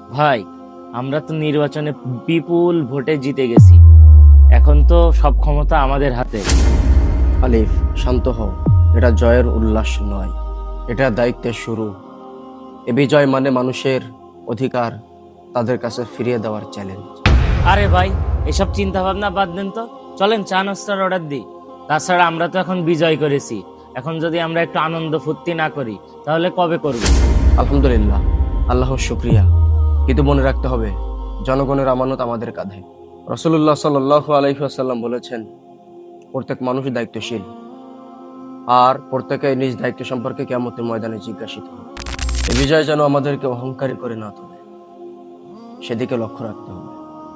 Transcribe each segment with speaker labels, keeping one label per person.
Speaker 1: ভাই, আমরা তো নির্বাচনে বিপুল ভোটে জিতে গেছি। এখন তো সব ক্ষমতা আমাদের হাতে।
Speaker 2: আলিফ, শান্ত হও। এটা জয়ের উল্লাস নয়, এটা দায়িত্বের শুরু। এ বিজয় মানে মানুষের অধিকার তাদের কাছে ফিরিয়ে দেওয়ার চ্যালেঞ্জ।
Speaker 1: আরে ভাই, এসব চিন্তা ভাবনা বাদ দেন তো, চলেন চা নাস্তার অর্ডার দিই। তাছাড়া আমরা তো এখন বিজয় করেছি, এখন যদি আমরা একটু আনন্দ ফুর্তি না করি তাহলে কবে করব?
Speaker 2: আলহামদুলিল্লাহ, আল্লাহর শুক্রিয়া। কিন্তু মনে রাখতে হবে, জনগণের আমানত আমাদের কাঁধে। রাসূলুল্লাহ সাল্লাল্লাহু আলাইহি ওয়াসাল্লাম বলেছেন, প্রত্যেক মানুষই দায়িত্বশীল, আর প্রত্যেকে নিজ দায়িত্ব সম্পর্কে কিয়ামতের ময়দানে জিজ্ঞাসিত হবে। এই বিজয় যেন আমাদেরকে অহংকারী করে না তোলে, সেদিকে লক্ষ্য রাখতে হবে।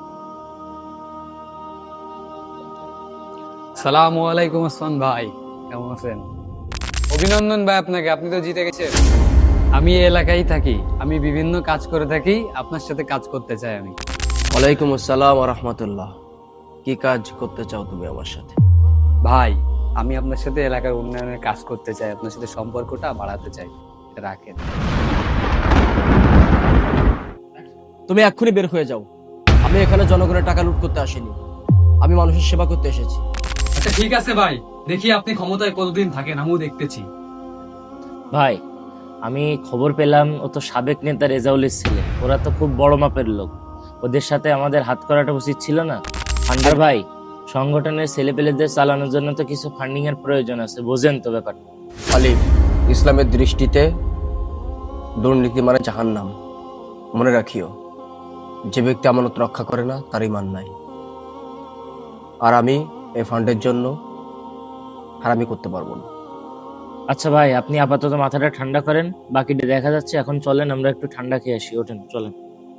Speaker 3: সালামু আলাইকুম আসমান ভাই, কেমন আছেন? অভিনন্দন ভাই আপনাকে, আপনি তো জিতে গেছেন। আমি এই এলাকায় থাকি, আমি বিভিন্ন কাজ করে থাকি, আপনার সাথে কাজ করতে চাই আমি।
Speaker 2: ওয়ালাইকুম আসসালাম ওয়া রাহমাতুল্লাহ। কি কাজ করতে চাও তুমি আমার সাথে?
Speaker 3: ভাই, আমি আপনার সাথে এলাকার উন্নয়নের কাজ করতে চাই, আপনার সাথে সম্পর্কটা বাড়াতে চাই। এটা রাখেন।
Speaker 2: তুমি এক্ষুনি বের হয়ে যাও। আমি এখানে জনগণের টাকা লুট করতে আসিনি, আমি মানুষের সেবা করতে এসেছি।
Speaker 3: আচ্ছা ঠিক আছে ভাই, দেখি আপনি ক্ষমতায় কতদিন থাকেন, আমিও দেখতেছি।
Speaker 1: ভাই, আমি খবর পেলাম ও তো সাবেক নেতা রেজাউলের ছেলে, ওরা তো খুব বড় মাপের লোক, ওদের সাথে আমাদের হাত করাটা উচিত ছিল না? আর ভাই, সংগঠনের ছেলেপেলেদের চালানোর জন্য তো কিছু ফান্ডিং এর প্রয়োজন আছে, বোঝেন তো ব্যাপারটা।
Speaker 2: আলিফ, ইসলামের দৃষ্টিতে দুর্নীতি মানে জাহান্নাম। মনে রাখিও, যে ব্যক্তি আমানত রক্ষা করে না তার ঈমান নাই। আর আমি এই ফান্ডের জন্য হারামি করতে পারবো না।
Speaker 1: আচ্ছা ভাই, আপনি আপাতত মাথাটা ঠান্ডা করেন, বাকিটা দেখা যাচ্ছে। এখন চলেন আমরা একটু ঠান্ডা খেয়ে আসি, ওঠেন চলেন।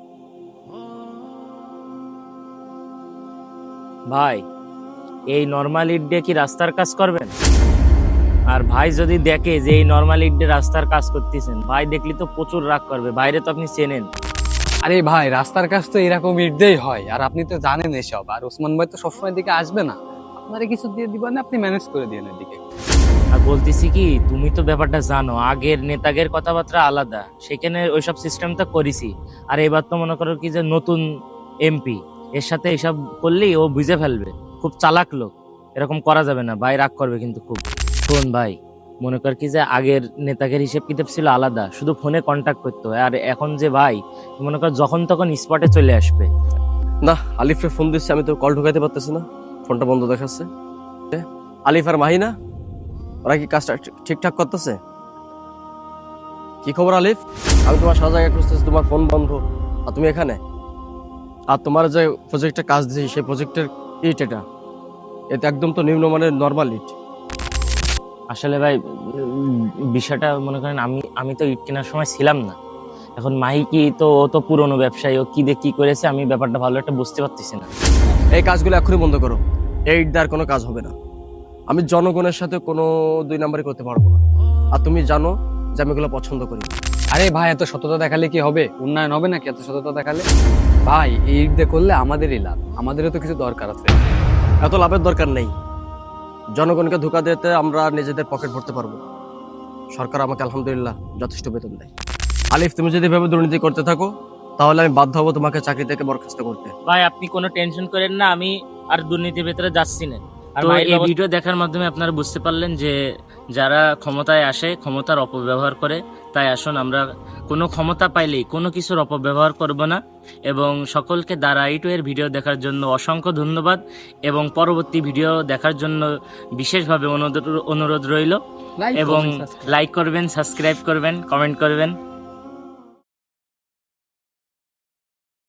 Speaker 1: ভাই, এই নর্মাল ইট দিয়ে কি রাস্তার কাজ করবেন? আর ভাই যদি দেখে যে এই নর্মাল ইট দিয়ে রাস্তার কাজ করতেছেন, ভাই দেখলি তো প্রচুর রাগ করবে। বাইরে তো আপনি চেনেন।
Speaker 3: আরে ভাই, রাস্তার কাজ তো এরকম ইটতেই হয়, আর আপনি তো জানেন এসব। আর ওসমান ভাই তো সবসময় দিকে আসবে না, আপনারে কিছু দিয়ে দিবেন, আপনি ম্যানেজ করে দিন এদিকে।
Speaker 1: আর বলতেছি কি, তুমি তো ব্যাপারটা জানো, আগের নেতাগের কথাবার্তা আলাদা, সেখানে ওইসব সিস্টেম তো করেছি। আর এবার তো মনে করো কি যে নতুন এমপি, এর সাথে এসব করলেই ও বুঝে ফেলবে, খুব চালাক লোক, এরকম করা যাবে না। ভাই রাগ করবে কিন্তু খুব। শোন ভাই, মনে কর কি যে আগের নেতাগের হিসেব কিতাব ছিল আলাদা, শুধু ফোনে কন্ট্যাক্ট করতে হয়। আর এখন যে ভাই, মনে কর যখন তখন স্পটে চলে আসবে।
Speaker 2: না, আলিফে ফোন দিচ্ছে, আমি তো কল ঢুকাইতে পারতেছি না, ফোনটা বন্ধ দেখাচ্ছে। আলিফ আর মাহিনা, ওরা কি কাজটা ঠিকঠাক করতেছে? কি খবর আলিফ? আমি তোমার সারা জায়গায় খুঁজতেছি, তোমার ফোন বন্ধ, আর তুমি এখানে। আর তোমার যে প্রজেক্টে কাজ দিয়েছি, সেই প্রজেক্টের ইট এটা একদম তো নিম্নমানের নর্মাল ইট।
Speaker 1: আসলে ভাই, বিষয়টা মনে করেন আমি তো ইট কেনার সময় ছিলাম না। এখন মাহি কি তো, ও তো পুরনো ব্যবসায়ী, ও কি দিয়ে কি করেছে আমি ব্যাপারটা ভালো একটা বুঝতে পারতেছি না।
Speaker 2: এই কাজগুলো এখনই বন্ধ করো, এই ইট দেওয়ার কোনো কাজ হবে না। আমি জনগণের সাথে কোনো দুই নাম্বারই করতে পারবো না, আর তুমি জানো যে আমি এগুলো পছন্দ করি না।
Speaker 3: আরে ভাই, এত সততা দেখালে কি হবে? উন্নয়ন হবে নাকি এত সততা দেখালে? ভাই, এই ঈদ দিয়ে করলে আমাদেরই লাভ, আমাদেরও তো কিছু দরকার আছে।
Speaker 2: এত লাভের দরকার নেই। জনগণকে ধোকা দিতে আমরা নিজেদের পকেট ভরতে পারবো না। সরকার আমাকে আলহামদুলিল্লাহ যথেষ্ট বেতন দেয়। আলিফ, তুমি যদি এভাবে দুর্নীতি করতে থাকো, তাহলে আমি বাধ্য হবো তোমাকে চাকরি থেকে বরখাস্ত করতে।
Speaker 1: ভাই, আপনি কোনো টেনশন করেন না, আমি আর দুর্নীতির ভেতরে যাচ্ছি না। আর এই ভিডিও দেখার মাধ্যমে আপনারা বুঝতে পারলেন যে যারা ক্ষমতায় আসে ক্ষমতার অপব্যবহার করে। তাই আসুন আমরা কোনো ক্ষমতা পাইলেই কোনো কিছুর অপব্যবহার করব না। এবং সকলকে দ্বারা এর ভিডিও দেখার জন্য অসংখ্য ধন্যবাদ, এবং পরবর্তী ভিডিও দেখার জন্য বিশেষভাবে অনুরোধ রইল। এবং লাইক করবেন, সাবস্ক্রাইব করবেন, কমেন্ট করবেন।